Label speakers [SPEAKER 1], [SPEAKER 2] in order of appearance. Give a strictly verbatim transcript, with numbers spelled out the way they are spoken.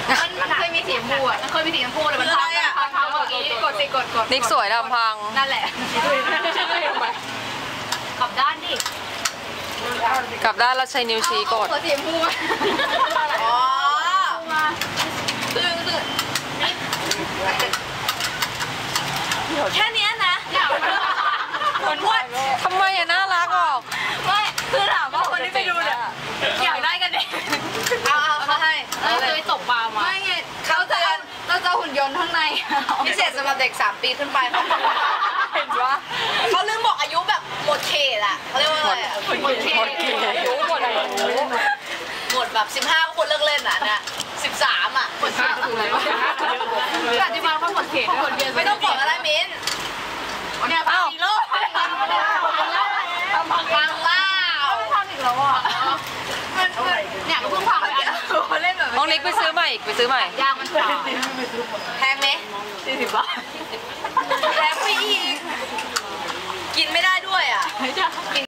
[SPEAKER 1] มันมันเคยมีสีชมพูอ่ะมันเคยมีสีชมพูเลยมันพังพังพังเมื่อกี้กดสิกดกด
[SPEAKER 2] นิกสวยลำพัง
[SPEAKER 1] นั่นแหละกลับด้านดิ
[SPEAKER 2] กลับด้านแล้วใช้นิ้วชี้กด
[SPEAKER 1] สีชมพูอ๋อคือคือแค่นี้นะคนพูด
[SPEAKER 2] ทำไมอะน่ารักออก
[SPEAKER 1] ไม่คือถามว่าคนที่ไปดูเนี่ยอยากได้กันเองเอาเอาเขาให้เราเคยตกปลามาไม่ไงเขาจะเราจะหุ่นยนต์ข้างในพิเศษสำหรับเด็กสามปีขึ้นไปเขาเห็นปะเขาลืมบอกอายุแบบหมดเขตอะเขาเรียกว่าอะไรอะหมดเขตอายุหมดอายุหมดแบบสิบห้าคนเลิกเล่นอะเนี่ยสิบสามอะหมดเขตถูกเลยวะคืออธิบายว่าหมดเขตไม่ต้องบอกอะไรมิ้นเนี่ยพังอีกแล้วพังแล้วพังแล้วพังอีกแล้วอ่ะมันเนี่ยก็เพิ่งพังไปอ่ะเล่นแบบ
[SPEAKER 2] น้องนิกไปซื้อใหม่อีกไปซื้อใหม่
[SPEAKER 1] ยางมันขาดแพงไหมสี่สิบบาทแพงไปอีกกินไม่ได้ด้วยอ่ะ